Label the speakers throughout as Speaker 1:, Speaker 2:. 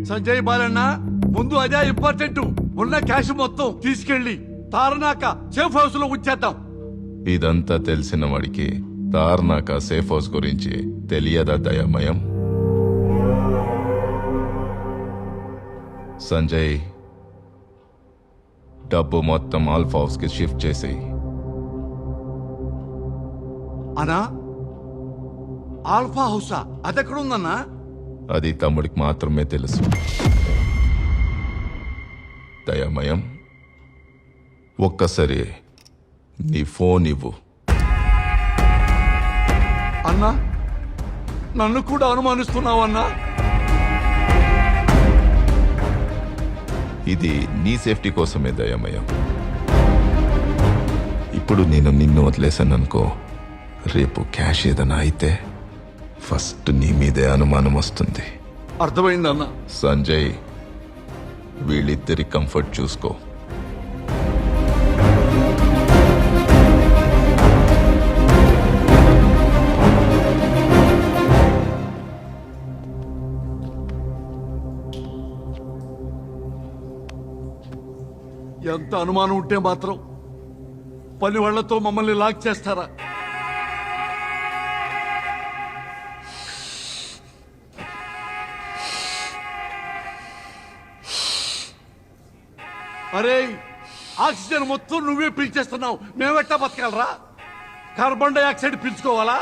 Speaker 1: సంజయ్ బాలన్న ముందు అదే ఇంపార్టెంట్. ఉన్న క్యాష్ మొత్తం తీసుకెళ్లి తారనాక సేఫ్ హౌస్ లో ఉంచేద్దాం.
Speaker 2: ఇదంతా తెలిసిన వాడికి తార్నాక సేఫ్ హౌస్ గురించి తెలియదా దయామయం? సంజయ్, డబ్బు మొత్తం ఆల్ఫా హౌస్ కి షిఫ్ట్ చేసేయి.
Speaker 1: అనా ఆల్ఫా హౌసా? అదెక్కడుందన్నా?
Speaker 2: అది తమ్ముడికి మాత్రమే తెలుసు. దయామయం, ఒక్కసారి నీ ఫోన్ ఇవ్వు.
Speaker 1: అన్నా, నన్ను కూడా అనుమానిస్తున్నావన్నా?
Speaker 2: ఇది నీ సేఫ్టీ కోసమే దయామయం. ఇప్పుడు నేను నిన్ను వదిలేశాననుకో, రేపు క్యాష్ ఏదైనా అయితే ఫస్ట్ నీ మీదే అనుమానం వస్తుంది.
Speaker 1: అర్థమైందన్నా.
Speaker 2: సంజయ్, వీళ్ళిద్దరి కంఫర్ట్ చూసుకో.
Speaker 1: ఎంత అనుమానం ఉంటే మాత్రం పని వాళ్లతో మమ్మల్ని లాక్ చేస్తారా? అరే, ఆక్సిజన్ మొత్తం నువ్వే పీల్చేస్తున్నావు, మేమెట్టా బతకాలరా? Carbon dioxide పీల్చుకోవాలా?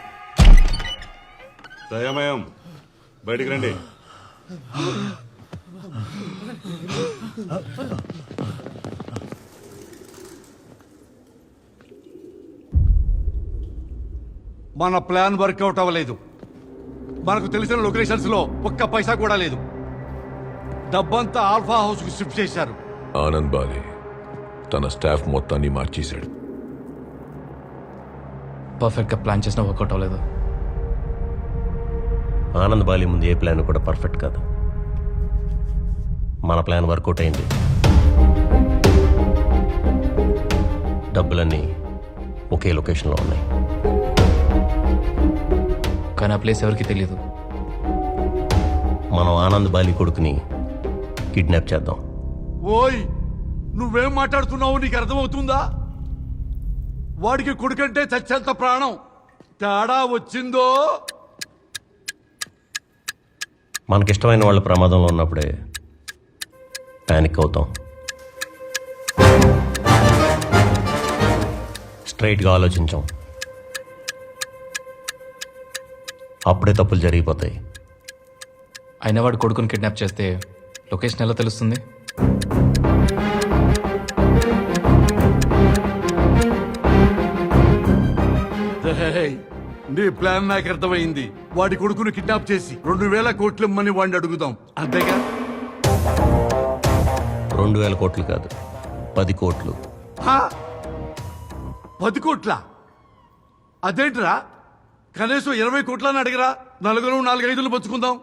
Speaker 3: దయామయం, బయటికి రండి.
Speaker 1: మన ప్లాన్ వర్కౌట్ అవ్వలేదు. మనకు తెలిసిన లొకేషన్స్ లో ఒక్క పైసా కూడా లేదు. డబ్బంతా ఆల్ఫా హౌస్ కు షిఫ్ట్ చేశారు.
Speaker 4: ఆనంద్ బాలి తన స్టాఫ్ మొత్తాన్ని మార్చేశాడు.
Speaker 5: పర్ఫెక్ట్గా ప్లాన్ చేసినా వర్కౌట్ అవ్వలేదు.
Speaker 6: ఆనంద్ బాలి ముందు ఏ ప్లాన్ కూడా పర్ఫెక్ట్ కాదు. మన ప్లాన్ వర్కౌట్ అయింది. డబ్బులన్నీ ఒకే లొకేషన్లో ఉన్నాయి.
Speaker 5: కానీ ఆ ప్లేస్ ఎవరికి తెలియదు.
Speaker 6: మనం ఆనంద్ బాలి కొడుకుని కిడ్నాప్ చేద్దాం.
Speaker 1: ఓయ్, నువ్వేం మాట్లాడుతున్నావు? నీకు అర్థమవుతుందా? వాడికి కొడుకంటే చచ్చేంత ప్రాణం. తేడా వచ్చిందో?
Speaker 6: మనకిష్టమైన వాళ్ళ ప్రమాదంలో ఉన్నప్పుడే ప్యానిక్ అవుతాం. స్ట్రైట్గా ఆలోచించాం, అప్పుడే తప్పులు జరిగిపోతాయి.
Speaker 5: అయినా వాడు కొడుకుని కిడ్నాప్ చేస్తే లొకేషన్ ఎలా తెలుస్తుంది?
Speaker 1: ఏయ్, నీ ప్లాన్ నాకు అర్థమైంది. వాడి కొడుకును కిడ్నాప్ చేసి 2000 కోట్లు ఇమ్మని వాడిని అడుగుదాం, అంతేగా?
Speaker 6: 2000 కోట్లు కాదు, 10 కోట్లు.
Speaker 1: 10 కోట్ల? అదేంట్రా, కనీసం 20 కోట్లని అడిగరా? నలుగురు 4-5 పంచుకుందాం.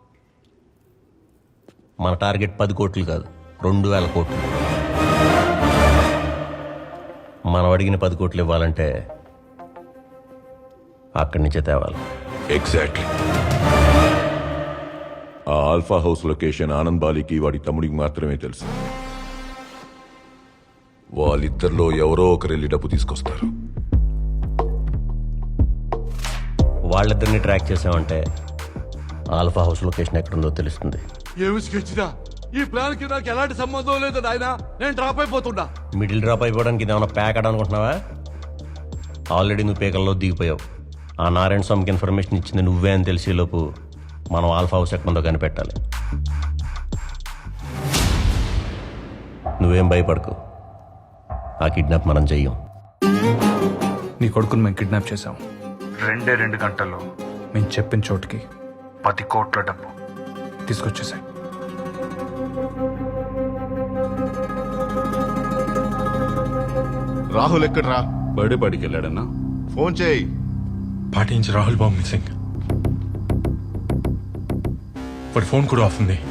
Speaker 6: మన టార్గెట్ 10 కోట్లు కాదు, 2000 కోట్లు. మనం అడిగిన 10 కోట్లు ఇవ్వాలంటే అక్కడి నుంచే తేవాలి.
Speaker 4: ఎగ్జాక్ట్లీ. ఆ ఆల్ఫా హౌస్ లొకేషన్ ఆనంద్ బాలికి వాడి తమ్ముడికి మాత్రమే తెలుసు. వాళ్ళిద్దరిలో ఎవరో ఒకరు వెళ్ళి డబ్బు తీసుకొస్తారు.
Speaker 6: వాళ్ళిద్దరిని ట్రాక్ చేసామంటే ఆల్ఫా హౌస్ లొకేషన్ ఎక్కడుందో తెలుస్తుంది.
Speaker 1: ఏమి స్కెచ్దా? ఈ ప్లాన్ కి నాకు ఎలాంటి సంబంధం లేదు నాయనా. నేను డ్రాప్ అయిపోతున్నా.
Speaker 6: మిడిల్ డ్రాప్ అయిపోవడానికి ఇదేమన్నా ప్యాక్ అనుకుంటున్నావా? ఆల్రెడీ నువ్వు పేకల్లో దిగిపోయావు. ఆ నారాయణ స్వామికి ఇన్ఫర్మేషన్ ఇచ్చింది నువ్వే అని తెలిసేలోపు మనం ఆల్ఫా హౌస్ ఎక్కడుందో కనిపెట్టాలి. నువ్వేం భయపడకు, ఆ కిడ్నాప్ మనం చెయ్యం.
Speaker 7: నీ కొడుకుని మేము కిడ్నాప్ చేశాం. 2 గంటల్లో మేము చెప్పిన చోటుకి 10 కోట్ల డబ్బు తీసుకొచ్చేసాయి.
Speaker 2: రాహుల్ ఎక్కడ్రా?
Speaker 3: బర్త్డే పార్టీకి వెళ్ళాడన్నా.
Speaker 2: ఫోన్ చేయి.
Speaker 7: పార్టీ నుంచి రాహుల్ బాబు మిస్సింగ్. వాడి ఫోన్ కూడా ఆఫ్ ఉంది.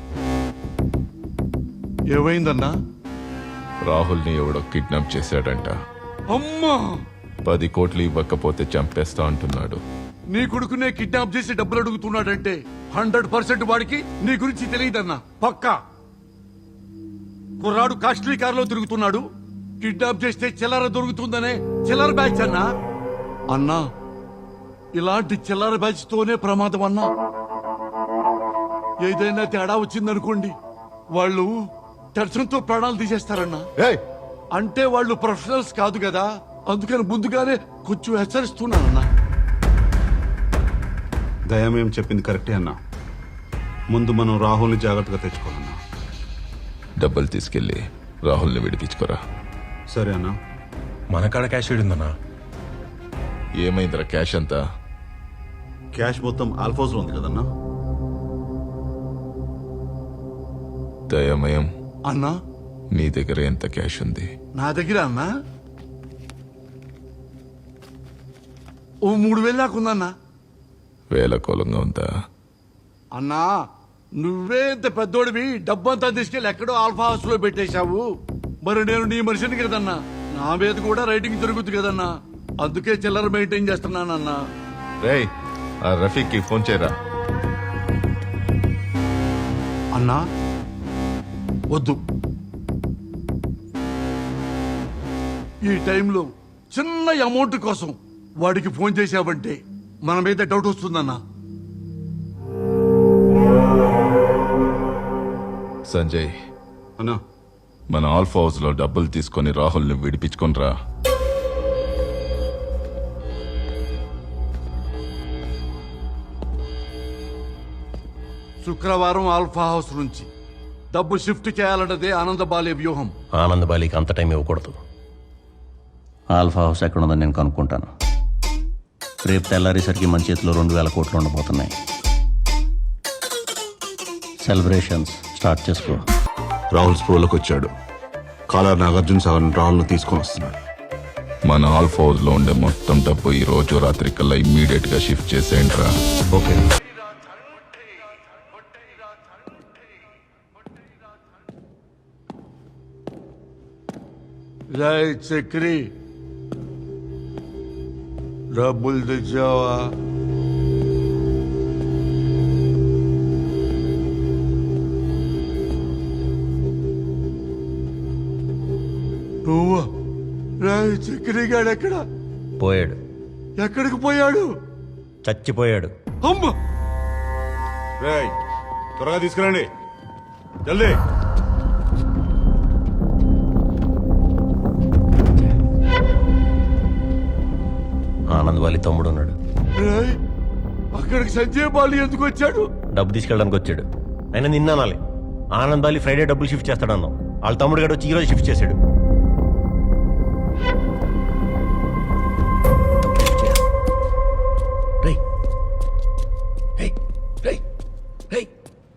Speaker 1: ఏమైందన్నా?
Speaker 2: రాహుల్ని ఎవడో కిడ్నాప్ చేశాడంట.
Speaker 1: అమ్మా!
Speaker 2: 10 కోట్లు ఇవ్వకపోతే చంపేస్తా అంటున్నాడు.
Speaker 1: నీ కొడుకునే కిడ్నాప్ చేసి డబ్బులు అడుగుతున్నాడంటే 100% వాడికి నీ గురించి తెలియదన్నా. పక్కా కుర్రాడు కాస్ట్లీ కారులో తిరుగుతున్నాడు. కిడ్నాప్ చేస్తే చిల్లర దొరుకుతుందనే చిల్లర బ్యాచ్ అన్నా. అన్నా ఇలాంటి చిల్లర బ్యాచ్ తోనే ప్రమాదం అన్నా. ఏదైనా తేడా వచ్చిందనుకోండి వాళ్ళు టెన్షన్తో ప్రాణాలు తీసేస్తారన్నా. అంటే వాళ్ళు ప్రొఫెషనల్స్ కాదు కదా, అందుకని ముందుగానే కొంచెం హెచ్చరిస్తున్నానన్నా.
Speaker 3: దయమేం చెప్పింది కరెక్టే అన్నా. ముందు మనం రాహుల్ని జాగ్రత్తగా తెచ్చుకోవాలన్నా.
Speaker 2: డబ్బులు తీసుకెళ్ళి రాహుల్ని విడిపించుకోరా.
Speaker 3: సరే అన్నా.
Speaker 8: మన కాడ క్యాష్ ఉందన్నా.
Speaker 2: ఏమైందిరా క్యాష్ అంతా?
Speaker 3: క్యాష్ మొత్తం ఆల్ఫోస్ లో ఉంది కదన్నా.
Speaker 2: దయమయం,
Speaker 1: అన్నా
Speaker 2: నీ దగ్గర ఎంత క్యాష్ ఉంది?
Speaker 1: నా దగ్గర అన్నా ఓ 3000 దాకుందన్నా.
Speaker 2: వేల కోలంగా ఉందా?
Speaker 1: అన్నా నువ్వే ఇంత పెద్దోడివి డబ్బంతా తీసుకెళ్లి ఎక్కడో ఆల్ఫా హౌస్ లో పెట్టేశావు. మరి నేను నీ మనిషిని కదన్నా, నా మీద కూడా రైటింగ్ జరుగుతుంది కదన్నా. అందుకే చిల్లర మెయింటైన్ చేస్తున్నానన్నా.
Speaker 2: రేయ్, ఆ రఫీక్కి ఫోన్ చేయరా.
Speaker 1: అన్నా వద్దు, ఈ టైంలో చిన్న అమౌంట్ కోసం వాడికి ఫోన్ చేశావంటే మన మీద డౌట్ వస్తుందన్నా.
Speaker 2: సంజయ్,
Speaker 3: అన్నా
Speaker 2: మన ఆల్ఫా హౌస్ లో డబ్బులు తీసుకొని రాహుల్ని విడిపించుకొనిరా.
Speaker 1: శుక్రవారం ఆల్ఫా హౌస్ నుంచి డబ్బు షిఫ్ట్ చేయాలన్నదే ఆనందబాలే వ్యూహం.
Speaker 6: ఆనందబాలికి అంత టైం ఇవ్వకూడదు. ఆల్ఫా హౌస్ ఎక్కడుందని నేను కనుక్కుంటాను. రేపు తెల్లారేసరికి మన చేతిలో 2000 కోట్లు ఉండబోతున్నాయి. సెలబ్రేషన్స్ స్టార్ట్ చేసుకో.
Speaker 3: రాహుల్ స్ప్రోలోకి వచ్చాడు. కాలర్ నాగార్జున సాగర్ రాహుల్ను తీసుకొని వస్తున్నాడు.
Speaker 2: మన ఆల్ఫా హౌస్ లో ఉండే మొత్తం డబ్బు ఈ రోజు రాత్రి కల్లా ఇమ్మీడియట్ గా షిఫ్ట్ చేసేయండి రా.
Speaker 3: ఓకే.
Speaker 1: రైట్ చక్రి, డబ్బులు తెచ్చావా? నువ్వా? రైట్ చక్రి గాడు ఎక్కడ?
Speaker 6: పోయాడు.
Speaker 1: ఎక్కడికి పోయాడు?
Speaker 6: చచ్చిపోయాడు.
Speaker 1: అమ్మ,
Speaker 3: రేయ్ త్వరగా తీసుకురండి, జల్దీ.
Speaker 6: ఆనందబాలి తమ్ముడు ఉన్నాడు.
Speaker 1: రేయ్, అక్కడికి సంజయ్ బాలి ఎందుకు వచ్చాడు?
Speaker 6: డబ్బు తీసుకెళ్ళడానికి వచ్చాడు. అయినా నిన్న అనాలి. ఆనందబాలి ఫ్రైడే డబ్బులు షిఫ్ట్ చేస్తాడన్నాం. వాళ్ళ తమ్ముడు గడు వచ్చి ఈరోజు షిఫ్ట్ చేశాడు. రేయ్, రేయ్, రేయ్, రేయ్.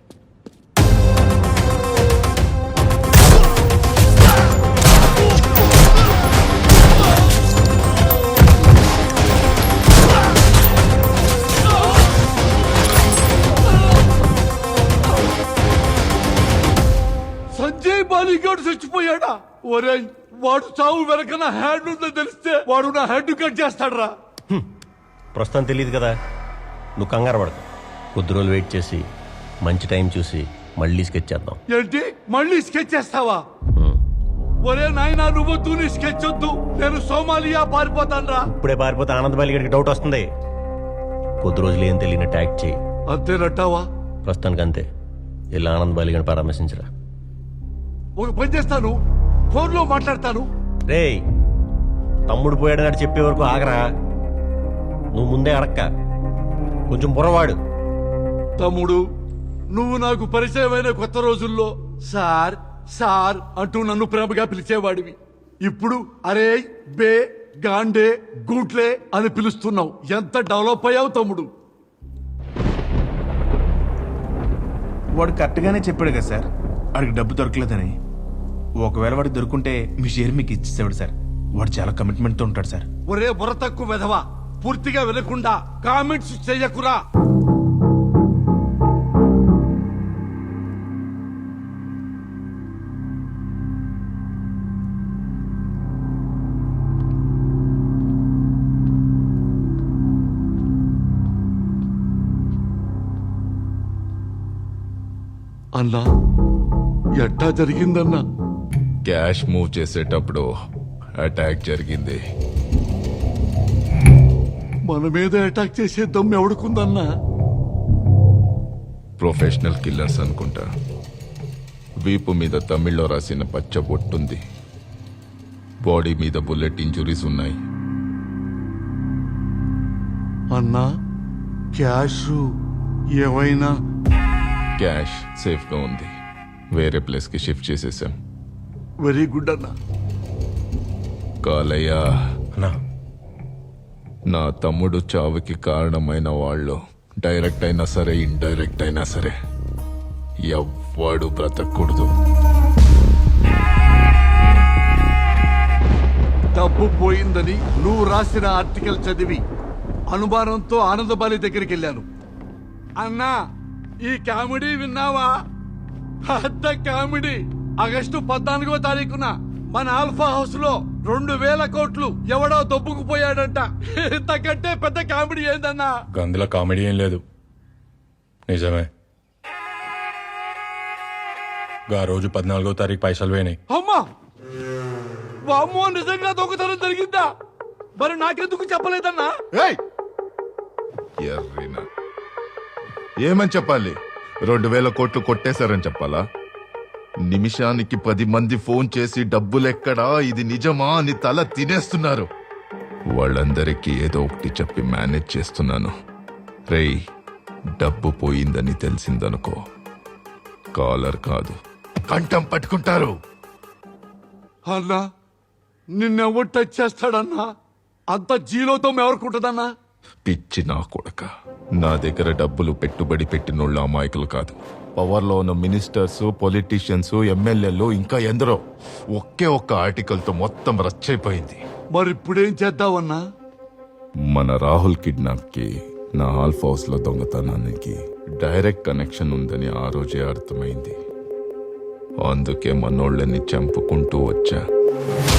Speaker 1: సంజయ్ బాలిగాడు చచ్చిపోయాడా? ఒరేయ్, వాడు చావు వెనక నా హ్యాండ్ ఉందని తెలిస్తే వాడు నా హెడ్ కట్ చేస్తాడరా.
Speaker 6: ప్రస్తుతం తెలియదు కదా, నువ్వు కంగారు పడకు. కొద్ది రోజులు వెయిట్ చేసి మంచి టైం చూసి మళ్ళీ స్కెచ్ చేద్దాం.
Speaker 1: ఏంటి మళ్ళీ స్కెచ్ చేస్తావా? ఒరే నాయనా, నువ్వొద్దు, నీ స్కెచ్ వద్దు. నేను సోమాలియా పారిపోతానరా.
Speaker 6: ఇప్పుడే పారిపోతే ఆనందబాలి గడికి డౌట్ వస్తుంది. కొద్ది రోజులు ఏం తెలియని యాక్ట్ చేయి.
Speaker 1: అంతేనట్టావా?
Speaker 6: ప్రస్తుతానికి అంతే. ఇలా ఆనందబాలి గడిని పరామర్శించరా.
Speaker 1: ఒక పని చేస్తాను, ఫోన్ లో మాట్లాడతాను.
Speaker 6: రేయ్, తమ్ముడు పోయాడని చెప్పే వరకు ఆగరా. నువ్వు ముందే అడక్క, కొంచెం బుర్రవాడు.
Speaker 1: తమ్ముడు, నువ్వు నాకు పరిచయమైన కొత్త రోజుల్లో సార్ సార్ అంటూ నన్ను ప్రేమగా పిలిచేవాడివి. ఇప్పుడు అరే, బే, గాండే, గూట్లే అని పిలుస్తున్నావు. ఎంత డెవలప్ అయ్యావు తమ్ముడు.
Speaker 9: వాడు కరెక్ట్గానే చెప్పాడు కదా సార్, వాడికి డబ్బు దొరకలేదని. ఒకవేళ వాడికి దొరుకుంటే మీ షేర్ మీకు ఇచ్చేసేవాడు సార్. వాడు చాలా కమిట్మెంట్తో ఉంటాడు సార్.
Speaker 1: ఒరే బుర్ర తక్కువ వెధవా, పూర్తిగా వినకుండా కామెంట్స్ చెయ్యకురా. అన్నా ఎట్టా జరిగిందన్నా?
Speaker 2: క్యాష్ మూవ్ చేసేటప్పుడు అటాక్ జరిగింది.
Speaker 1: మన మీద అటాక్ చేసే దమ్ము ఎవడుకుందన్నా?
Speaker 2: ప్రొఫెషనల్ కిల్లర్స్ అనుకుంటా. వీపు మీద తమిళ్లో రాసిన పచ్చ బొట్టుంది. బాడీ మీద బుల్లెట్ ఇంజురీస్ ఉన్నాయి.
Speaker 1: అన్నా క్యాష్ ఏవైనా?
Speaker 2: క్యాష్ సేఫ్గా ఉంది. వేరే ప్లేస్కి షిఫ్ట్ చేసేసాం.
Speaker 1: వెరీ గుడ్ అన్నా.
Speaker 2: కాలయ్య,
Speaker 8: అన్నా
Speaker 2: నా తమ్ముడు చావుకి కారణమైన వాళ్ళు డైరెక్ట్ అయినా సరే ఇండైరెక్ట్ అయినా సరే ఎవ్వడు బ్రతకూడదు.
Speaker 1: డబ్బు పోయిందని నువ్వు రాసిన ఆర్టికల్ చదివి అనుమానంతో ఆనందబాలి దగ్గరికి వెళ్ళాను. అన్నా ఈ కామెడీ విన్నావా? పెద్ద కామెడీ. ఆగస్టు 14వ తారీఖున మన ఆల్ఫా హౌస్ లో 2000 కోట్లు ఎవడో దొబ్బుకుపోయాడంట. ఇంతకంటే పెద్ద కామెడీ ఏందన్నా?
Speaker 8: గందులో కామెడీ ఏం లేదు, నిజమే. గా రోజు 14వ తారీఖు పైసలు పోయినాయి.
Speaker 1: అమ్మా వామ్మో, నిజంగా దొంగతనం జరిగిందా? మరి నాకెందుకు చెప్పలేదన్నా?
Speaker 2: ఎర్రినా ఏమని చెప్పాలి? 2000 కోట్లు కొట్టేశారని చెప్పాలా? నిమిషానికి 10 మంది ఫోన్ చేసి డబ్బులెక్కడా, ఇది నిజమా అని తల తినేస్తున్నారు. వాళ్ళందరికీ ఏదో ఒకటి చెప్పి మేనేజ్ చేస్తున్నాను. రేయ్, డబ్బు పోయిందని తెలిసిందనుకో, కాలర్ కాదు కంఠం పట్టుకుంటారు.
Speaker 1: అన్నా నిన్నెవరు టచ్ చేస్తాడన్నా? అంత జీలోతో ఎవరుకుంటుందన్నా?
Speaker 2: పిచ్చి నా కొడక, నా దగ్గర డబ్బులు పెట్టుబడి పెట్టినోళ్ళు అమాయకులు కాదు. పవర్లో ఉన్న మినిస్టర్స్, పొలిటీషియన్స్, ఎమ్మెల్యేలు, ఇంకా ఎందరో. ఒకే ఒక్క ఆర్టికల్తో మొత్తం రచ్చైపోయింది.
Speaker 1: మరి ఇప్పుడేం చేద్దామన్నా?
Speaker 2: మన రాహుల్ కిడ్నాప్ కి నా ఆల్ఫ్ హౌస్ లో దొంగతనానికి డైరెక్ట్ కనెక్షన్ ఉందని ఆ రోజే అర్థమైంది. అందుకే మనోళ్ళని చంపుకుంటూ వచ్చా.